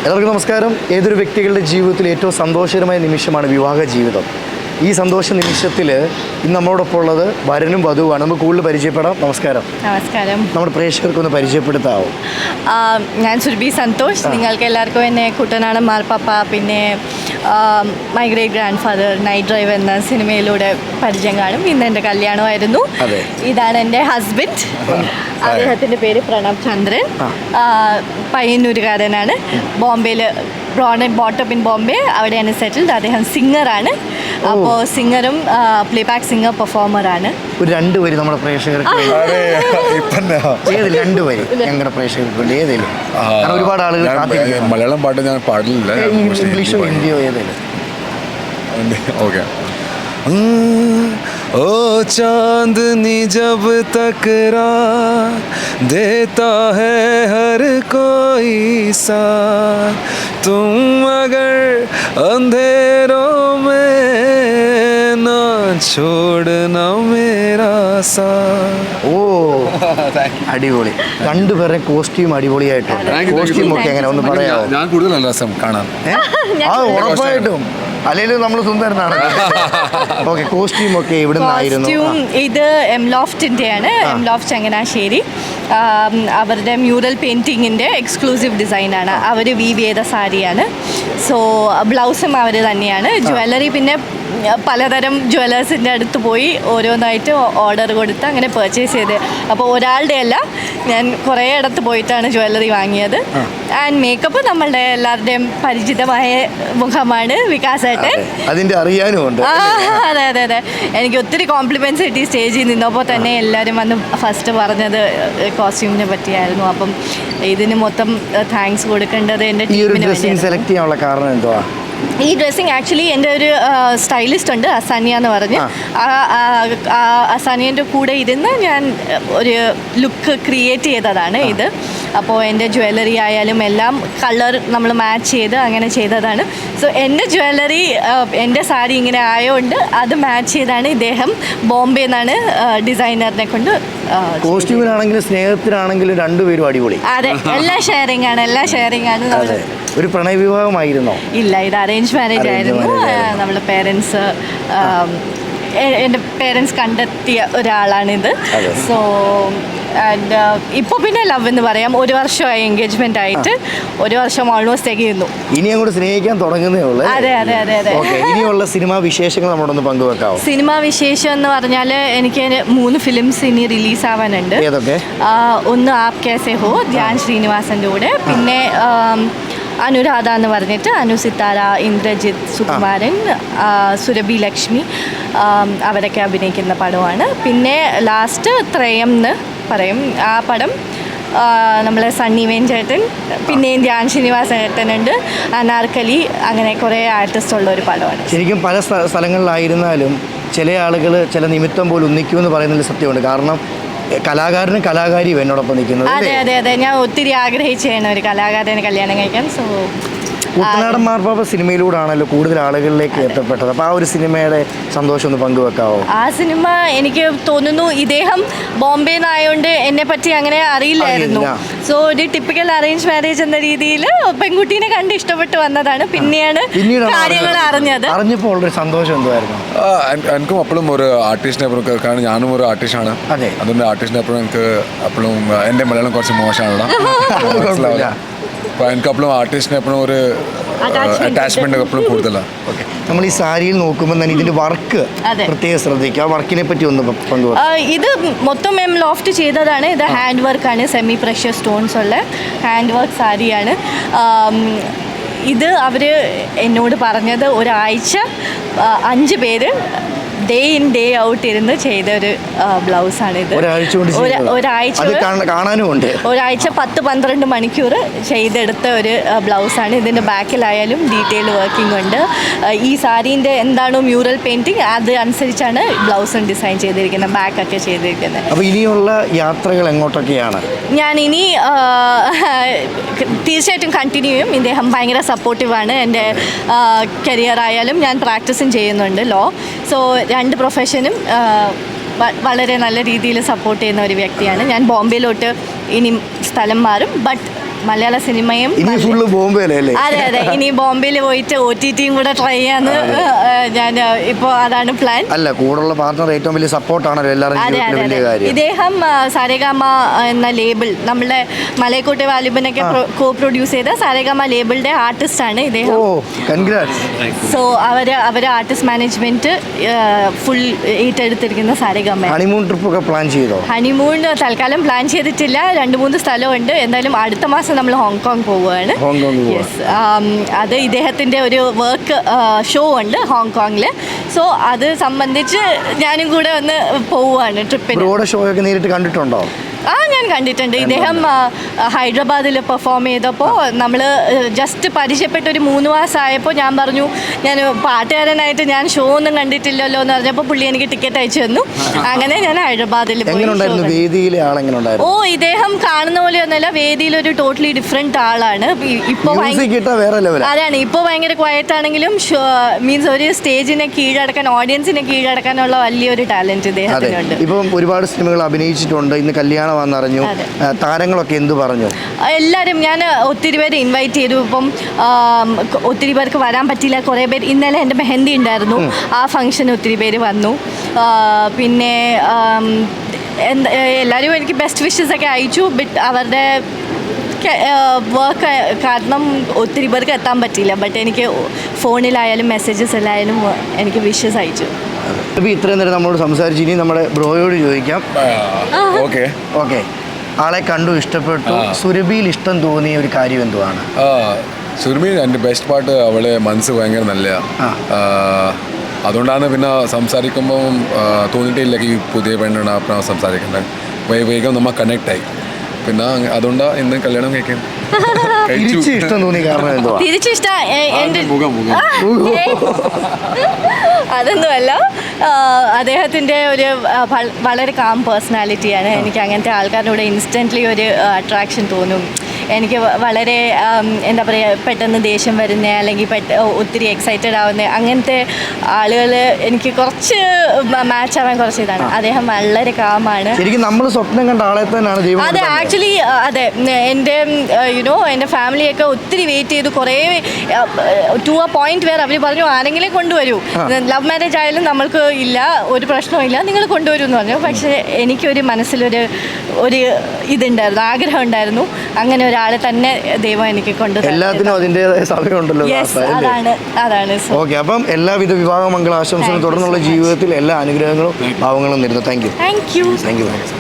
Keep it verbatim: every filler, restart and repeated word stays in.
എല്ലാവർക്കും നമസ്കാരം. ഏതൊരു വ്യക്തികളുടെ ജീവിതത്തിൽ ഏറ്റവും സന്തോഷകരമായ നിമിഷമാണ് വിവാഹ ജീവിതം. ഈ സന്തോഷ നിമിഷത്തിൽ ഇന്ന് നമ്മളോടൊപ്പം ഉള്ളത് വരനും വധുവാണ്. നമുക്ക് കൂടുതൽ പരിചയപ്പെടാം. നമസ്കാരം. നമസ്കാരം. നമ്മുടെ പ്രേക്ഷകർക്കൊന്ന് പരിചയപ്പെടുത്താവോ? ഞാൻ സുരഭി സന്തോഷ്. നിങ്ങൾക്ക് എല്ലാവർക്കും എന്നെ കുട്ടനാടൻ മാർപ്പാപ്പ, പിന്നെ my great grandfather, night drive എന്ന സിനിമയിലൂടെ പരിചയം കാണും. ഇന്ന് എൻ്റെ കല്യാണമായിരുന്നു. ഇതാണ് എൻ്റെ ഹസ്ബൻഡ്. അദ്ദേഹത്തിൻ്റെ പേര് പ്രണവ് ചന്ദ്രൻ. പയ്യന്നൂരുകാരനാണ്. ബോംബെയിൽ born and brought up in Bombay, അവിടെയാണ് സെറ്റിൽഡ്. അദ്ദേഹം സിംഗറാണ്. അപ്പോൾ സിംഗറും പ്ലേ ബാക്ക് സിംഗർ പെർഫോമറാണ്. ഒരു രണ്ടുപേര് നമ്മുടെ പ്രേക്ഷകർക്ക് രണ്ടുപേര് ഞങ്ങളുടെ പ്രേക്ഷകർക്ക് വേണ്ടി ഏതെങ്കിലും ഒരുപാട് ആളുകൾ മലയാളം പാട്ട് ഞാൻ പാടില്ല, ഇംഗ്ലീഷോ ഹിന്ദിയോ ഏതെങ്കിലും. ഓക്കെ. ओ चांदनी जब तकरार देता है हर कोई साथ, तुम अगर अंधेरों में ना छोड़ना मेरा साथ. ഓ അടിപൊളി. രണ്ടുപേരുടെ കോസ്റ്റ്യൂം അടിപൊളിയായിട്ടുണ്ട്. കോസ്റ്റ്യൂം ഒക്കെ എങ്ങനെ ഒന്ന് പറയാമോ? ഞാൻ കൂടുതൽ രസം കാണാൻ. ആ ഉറപ്പായിട്ടും അല്ലെങ്കിൽ നമ്മൾ സുന്ദരനാണ്. ഓക്കെ, കോസ്റ്റ്യൂം ഒക്കെ ഇവിടെ നിന്നായിരുന്നു? ഇത് എം ലോഫ്റ്റിൻ്റെയാണ്. M loft Changanassery. അവരുടെ മ്യൂറൽ പെയിൻറ്റിങ്ങിൻ്റെ എക്സ്ക്ലൂസീവ് ഡിസൈനാണ്. അവർ വീവ് ചെയ്ത സാരിയാണ്. സോ ബ്ലൗസും അവർ തന്നെയാണ്. ജ്വല്ലറി പിന്നെ പലതരം ജ്വല്ലേഴ്സിൻ്റെ അടുത്ത് പോയി ഓരോന്നായിട്ട് ഓർഡർ കൊടുത്ത് അങ്ങനെ പർച്ചേസ് ചെയ്ത്. അപ്പോൾ ഒരാളുടെ അല്ല, ഞാൻ കുറേ ഇടത്ത് പോയിട്ടാണ് ജ്വല്ലറി വാങ്ങിയത്. ആൻഡ് മേക്കപ്പ് നമ്മളുടെ എല്ലാവരുടെയും പരിചിതമായ മുഖമാണ്, വികാസേട്ടൻ. അതിൻ്റെ അറിയാനുമുണ്ട്. അതെ അതെ അതെ എനിക്ക് ഒത്തിരി കോംപ്ലിമെൻറ്റ്സ് കിട്ടി. സ്റ്റേജിൽ നിന്നപ്പോൾ തന്നെ എല്ലാവരും വന്ന് ഫസ്റ്റ് പറഞ്ഞത് കോസ്റ്റ്യൂമിനെ പറ്റിയായിരുന്നു. അപ്പം ഇതിന് മൊത്തം താങ്ക്സ് കൊടുക്കേണ്ടത് എൻ്റെ ടീമിന് വേണ്ടി. സെലക്ട് ചെയ്യാനുള്ള കാരണം എന്തുവാ? ഈ ഡ്രസ്സിങ് ആക്ച്വലി എൻ്റെ ഒരു സ്റ്റൈലിസ്റ്റ് ഉണ്ട്, അസാനിയ എന്ന് പറഞ്ഞ്. ആ അസാനിയൻ്റെ കൂടെ ഇരുന്ന് ഞാൻ ഒരു ലുക്ക് ക്രിയേറ്റ് ചെയ്തതാണ് ഇത്. അപ്പോൾ എൻ്റെ ജ്വല്ലറി ആയാലും എല്ലാം കളർ നമ്മൾ മാച്ച് ചെയ്ത് അങ്ങനെ ചെയ്തതാണ്. സോ എൻ്റെ ജ്വല്ലറി എൻ്റെ സാരി ഇങ്ങനെ ആയതുകൊണ്ട് അത് മാച്ച് ചെയ്താണ്. ഇദ്ദേഹം ബോംബെ നിന്നാണ് ഡിസൈനറിനെ കൊണ്ട്. കോസ്റ്റ്യൂമിനാണെങ്കിലും സ്നേഹത്തിനാണെങ്കിലും രണ്ടുപേരും അടിപൊളി. അതെ, എല്ലാം ഷെയറിംഗ് ആണ്, എല്ലാം ഷെയറിംഗ് ആണ്. ഒരു പ്രണയ വിവാഹമായിരുന്നോ? ഇല്ല, ഇത് അറേഞ്ച് മാരേജ് ആയിരുന്നു. നമ്മളെ പേരൻസ്, എൻ്റെ പേരൻസ് കണ്ടെത്തിയ ഒരാളാണിത്. സോ ആൻഡ് ഇപ്പോൾ പിന്നെ ലവ് എന്ന് പറയാം. ഒരു വർഷമായി എൻഗേജ്മെന്റ് ആയിട്ട്, ഒരു വർഷം ഓൾമോസ്റ്റ് തികയുന്നു. ഇനി അങ്ങോട്ട് സ്നേഹിക്കാൻ തുടങ്ങുന്നേ ഉള്ളൂ. അതെ അതെ അതെ അതെ ഇനിയുള്ള സിനിമാ വിശേഷങ്ങൾ നമ്മളൊന്ന് പങ്കുവെക്കാവോ? സിനിമാ വിശേഷം എന്ന് പറഞ്ഞാൽ എനിക്ക് മൂന്ന് ഫിലിംസ് ഇനി റിലീസ് ആവാനുണ്ട്. ഏതൊക്കെ? ഒന്ന് ആപ് കേസെ ഹോ, ധ്യാൻ ശ്രീനിവാസൻ്റെ കൂടെ. പിന്നെ അനുരാധ എന്ന് പറഞ്ഞിട്ട് അനു സിത്താര, ഇന്ദ്രജിത്ത്, സുകുമാരൻ, സുരഭി ലക്ഷ്മി അവരൊക്കെ അഭിനയിക്കുന്ന പടമാണ്. പിന്നെ ലാസ്റ്റ് ത്രയം എന്ന് പറയും. ആ പടം നമ്മളെ സണ്ണി വേൻ ചേട്ടൻ, പിന്നെയും ധ്യാൻ ശ്രീനിവാസ ചേട്ടനുണ്ട്, അനാർക്കലി, അങ്ങനെ കുറേ ആർട്ടിസ്റ്റ് ഉള്ള ഒരു പടമാണ്. ശരിക്കും പല സ്ഥലങ്ങളിലായിരുന്നാലും ചില ആളുകൾ ചില നിമിത്തം പോലും ഒന്നിക്കുമെന്ന് പറയുന്നതിൽ സത്യമുണ്ട്. കാരണം കലാകാരനും കലാകാരിയും എന്നോടൊപ്പം നിൽക്കുന്നത്. അതെ അതെ അതെ ഞാൻ ഒത്തിരി ആഗ്രഹിച്ചാണ് ഒരു കലാകാരനെ കല്യാണം കഴിക്കാൻ. സോ കുട്ടനാടൻ മാർപ്പാപ്പ സിനിമയിലൂടെയാണല്ലോ കൂടുതൽ ആളുകളിലേക്ക് എത്തപ്പെട്ടത്. അപ്പോൾ ആ ഒരു സിനിമയുടെ സന്തോഷം ഒന്ന് പങ്കുവെക്കാവോ? ആ സിനിമ എനിക്ക് തോന്നുന്നു ഇദ്ദേഹം ബോംബെ നിന്നായതുകൊണ്ട് എന്നെ പറ്റി അങ്ങനെ അറിയില്ലായിരുന്നു. സോ ഒരു ടിപ്പിക്കൽ അറേഞ്ച് മാരേജ് എന്ന രീതിയിൽ പെൺകുട്ടീനെ കണ്ട് ഇഷ്ടപ്പെട്ട് വന്നതാണ്. പിന്നെയാണ് കാര്യങ്ങൾ അറിഞ്ഞത്. അറിഞ്ഞപ്പോൾ ഉള്ളൊരു സന്തോഷം എന്തായിരുന്നു? എനിക്കും അപ്പോഴും ഒരു ആർട്ടിസ്റ്റിനെ അപ്പുറം, കാരണം ഞാനും ഒരു ആർട്ടിസ്റ്റാണ്. അതെ, അതുകൊണ്ട് ആർട്ടിസ്റ്റിനെ അപ്പുറം എനിക്ക് അപ്പോഴും എൻ്റെ മലയാളം കുറച്ച് മോശമാണല്ലോ. അപ്പോൾ എനിക്ക് അപ്പോഴും ആർട്ടിസ്റ്റിനെ എപ്പോഴും ഒരു അറ്റാച്ച്മെന്റ് എപ്പോഴും കൂടുതലാണ്. ഓക്കെ, നമ്മൾ ഈ സാരിയിൽ നോക്കുമ്പോൾ തന്നെ ഇതിന്റെ വർക്ക് പ്രത്യേകം ശ്രദ്ധിക്കുക. ആ വർക്കിനെ പറ്റി ഒന്ന് പങ്കുവെക്കുക. ഇത് മൊത്തം എം ലോഫ്റ്റ് ചെയ്തതാണ്. ഇത് ഹാൻഡ് വർക്കാണ്, സെമി പ്രഷ്യസ് സ്റ്റോൺസ് ഉള്ള ഹാൻഡ് വർക്ക് സാരിയാണ്. ഇത് അവർ എന്നോട് പറഞ്ഞത് ഒരാഴ്ച അഞ്ച് പേര് ഡേ ഇൻ ഡേ ഔട്ട് ഇരുന്ന് ചെയ്ത ഒരു ബ്ലൗസാണിത്. ഒരാഴ്ച കാണാനുമുണ്ട്. ഒരാഴ്ച പത്ത് പന്ത്രണ്ട് മണിക്കൂർ ചെയ്തെടുത്ത ഒരു ബ്ലൗസാണ്. ഇതിൻ്റെ ബാക്കിലായാലും ഡീറ്റെയിൽ വർക്കിംഗ് ഉണ്ട്. ഈ സാരീൻ്റെ എന്താണോ മ്യൂറൽ പെയിൻറ്റിങ് അത് അനുസരിച്ചാണ് ബ്ലൗസും ഡിസൈൻ ചെയ്തിരിക്കുന്നത്, ബാക്കൊക്കെ ചെയ്തിരിക്കുന്നത്. അപ്പോൾ ഇനിയുള്ള യാത്രകൾ എങ്ങോട്ടൊക്കെയാണ്? ഞാൻ ഇനി തീർച്ചയായിട്ടും കണ്ടിന്യൂ ചെയ്യും. ഇദ്ദേഹം ഭയങ്കര സപ്പോർട്ടീവാണ്. എൻ്റെ കരിയർ ആയാലും ഞാൻ പ്രാക്ടീസും ചെയ്യുന്നുണ്ട് ലോ. സോ രണ്ട് പ്രൊഫഷനും വളരെ നല്ല രീതിയിൽ സപ്പോർട്ട് ചെയ്യുന്ന ഒരു വ്യക്തിയാണ് ഞാൻ. ബോംബെയിലോട്ട് ഇനി സ്ഥലം മാറും, ബട്ട് മലയാള സിനിമയും ഇനി ഫുള്ള് ബോംബെയിലല്ലേ? അതെ അതെ ഇനി ബോംബെയിൽ പോയിട്ട് ഒ ടി ടിയും കൂടെ ട്രൈ ചെയ്യാന്ന് ഞാൻ ഇപ്പോൾ അതാണ് പ്ലാൻ. അല്ല, കൂടുള്ള പാർട്ണർ ഏറ്റവും വലിയ സപ്പോർട്ടാണല്ലോ എല്ലാവരും അതെ ജീവിതത്തിലെ അതെ വലിയ അതെ കാര്യം. ഇദ്ദേഹം സാരേഗാമ എന്ന ലേബിൾ നമ്മുടെ മലയക്കോട്ടെ വാലിബനൊക്കെ കോ പ്രൊഡ്യൂസ് ചെയ്ത സാരേഗാമ ലേബിളിന്റെ ആർട്ടിസ്റ്റ് ആണ് ഇദ്ദേഹം. ഓ കൺഗ്രാറ്റ്സ്. സോ അവര് അവര് ആർട്ടിസ്റ്റ് മാനേജ്മെന്റ് ഫുൾ ഏറ്റെടുത്തിരിക്കുന്ന സാരേഗാമ. ഹണിമൂൺ ട്രിപ്പ് ഒക്കെ പ്ലാൻ ചെയ്തോ? ഹണിമൂൺ തൽക്കാലം പ്ലാൻ ചെയ്തിട്ടില്ല. രണ്ട് മൂന്ന് സ്ഥലമുണ്ട്. എന്തായാലും അടുത്ത മാസം നമ്മൾ ഹോങ്കോങ് പോവുകയാണ്. ഹോങ്കോങ് യെസ്, അത് ഇദ്ദേഹത്തിൻ്റെ ഒരു വർക്ക് ഷോ ഉണ്ട് ഹോങ്കോങ്ങിൽ. സോ അത് സംബന്ധിച്ച് ഞാനും കൂടെ ഒന്ന് പോവുകയാണ് ട്രിപ്പിന്. ബ്രോയുടെ ഷോ ഒക്കെ നേരിട്ട് കണ്ടിട്ടുണ്ടോ? ആ ഞാൻ കണ്ടിട്ടുണ്ട്. ഇദ്ദേഹം ഹൈദരാബാദിൽ പെർഫോം ചെയ്തപ്പോൾ നമ്മൾ ജസ്റ്റ് പരിചയപ്പെട്ട ഒരു മൂന്ന് മാസമായപ്പോൾ ഞാൻ പറഞ്ഞു ഞാൻ പാട്ടുകാരനായിട്ട് ഞാൻ ഷോ ഒന്നും കണ്ടിട്ടില്ലല്ലോ എന്ന് പറഞ്ഞപ്പോൾ പുള്ളി എനിക്ക് ടിക്കറ്റ് അയച്ചു തന്നു. അങ്ങനെ ഞാൻ ഹൈദരാബാദിൽ പോയി. വേദിയിലെ ആളെങ്ങനെ? ഓ ഇദ്ദേഹം കാണുന്ന പോലെ ഒന്നല്ല, വേദിയിൽ ഒരു ടോട്ടലി ഡിഫറെന്റ് ആളാണ്. ഇപ്പോൾ അതാണ് ഇപ്പോൾ ഭയങ്കര ക്വയറ്റ് ആണെങ്കിലും മീൻസ് ഒരു സ്റ്റേജിനെ കീഴടക്കാൻ ഓഡിയൻസിനെ കീഴടക്കാനുള്ള വലിയൊരു ടാലന്റ് ഇദ്ദേഹത്തിനുണ്ട്. ഇപ്പം ഒരുപാട് സിനിമകൾ അഭിനയിച്ചിട്ടുണ്ട്. ഇന്ന് കല്യാണം വന്നറിഞ്ഞു. താരങ്ങളൊക്കെ എന്ത് പറഞ്ഞു? എല്ലാവരും ഞാൻ ഒത്തിരി പേര് ഇൻവൈറ്റ് ചെയ്തു. ഇപ്പം ഒത്തിരി പേർക്ക് വരാൻ പറ്റിയില്ല. കുറേ പേര് ഇന്നലെ എൻ്റെ മെഹന്തി ഉണ്ടായിരുന്നു, ആ ഫംഗ്ഷൻ ഒത്തിരി പേര് വന്നു. പിന്നെ എന്താ എല്ലാവരും എനിക്ക് ബെസ്റ്റ് വിഷസ് ഒക്കെ അയച്ചു. ബട്ട് അവരുടെ വർക്ക് കാരണം ഒത്തിരി പേർക്ക് എത്താൻ പറ്റിയില്ല. ബട്ട് എനിക്ക് ഫോണിലായാലും മെസ്സേജസ് എല്ലായാലും എനിക്ക് വിഷസ് അയച്ചു. ഇത്രയും നേരം നമ്മളോട് സംസാരിച്ചു. ഇനി നമ്മുടെ ബ്രോയോട് ചോദിക്കാം. ഓക്കെ ഓക്കെ ആളെ കണ്ടു, ഇഷ്ടപ്പെട്ടു. സുരഭിയിൽ ഇഷ്ടം തോന്നിയ ഒരു കാര്യം എന്തുവാണ്? സുരഭി എൻ്റെ ബെസ്റ്റ് പാട്ട്, അവളെ മനസ്സ് ഭയങ്കര നല്ല. അതുകൊണ്ടാണ് പിന്നെ സംസാരിക്കുമ്പോൾ തോന്നിയിട്ടില്ല ഈ പുതിയ പെണ്ണാണ് അപ്പം സംസാരിക്കുന്നത്. വേഗം നമ്മൾ കണക്ട് ആയി. പിന്നെ അതുകൊണ്ടാണ് ഇന്ന് കല്യാണം കഴിക്കാൻ ഇഷ്ടം തോന്നി. കാരണം എന്തുവാ? തിരിച്ചിഷ്ട അതൊന്നുമല്ല, അദ്ദേഹത്തിൻ്റെ ഒരു വളരെ കാം പേഴ്സണാലിറ്റിയാണ്. എനിക്ക് അങ്ങനത്തെ ആൾക്കാരുടെ ഇൻസ്റ്റൻ്റ്ലി ഒരു അട്രാക്ഷൻ തോന്നും. എനിക്ക് വളരെ എന്താ പറയുക, പെട്ടെന്ന് ദേഷ്യം വരുന്ന അല്ലെങ്കിൽ പെട്ട ഒത്തിരി എക്സൈറ്റഡ് ആവുന്ന അങ്ങനത്തെ ആളുകൾ എനിക്ക് കുറച്ച് മാച്ച് ആവാൻ കുറച്ച് ഇതാണ്. അദ്ദേഹം വളരെ കാമാണ്. ശരിക്കും നമ്മൾ സ്വപ്നം കണ്ട ആളെ തന്നെയാണ് ദൈവം. അതെ ആക്ച്വലി അതെ. എൻ്റെ യുനോ എൻ്റെ ഫാമിലിയൊക്കെ ഒത്തിരി വെയിറ്റ് ചെയ്തു. കുറേ ടു എ പോയിന്റ് വേറെ അവർ പറഞ്ഞു ആരെങ്കിലും കൊണ്ടുവരൂ, ലവ് മാരേജ് ആയാലും നമ്മൾക്ക് ഇല്ല, ഒരു പ്രശ്നവും ഇല്ല, നിങ്ങൾ കൊണ്ടുവരൂ എന്ന് പറഞ്ഞു. പക്ഷേ എനിക്കൊരു മനസ്സിലൊരു ഒരു ഇതുണ്ടായിരുന്നു, ആഗ്രഹം ഉണ്ടായിരുന്നു. അങ്ങനെ ഒരാളെ തന്നെ ദൈവം എനിക്ക് കൊണ്ടുവരും. എല്ലാത്തിനും അതിൻ്റെതായ സമയമുണ്ടല്ലോ. അതാണ് അതാണ് ഓക്കെ. അപ്പം എല്ലാവിധ വിവാഹ മംഗള ആശംസകളും തുടർന്നുള്ള ജീവിതത്തിൽ എല്ലാ അനുഗ്രഹങ്ങളും ഭാവങ്ങളും നേരുന്നു. Thank you thank you thank U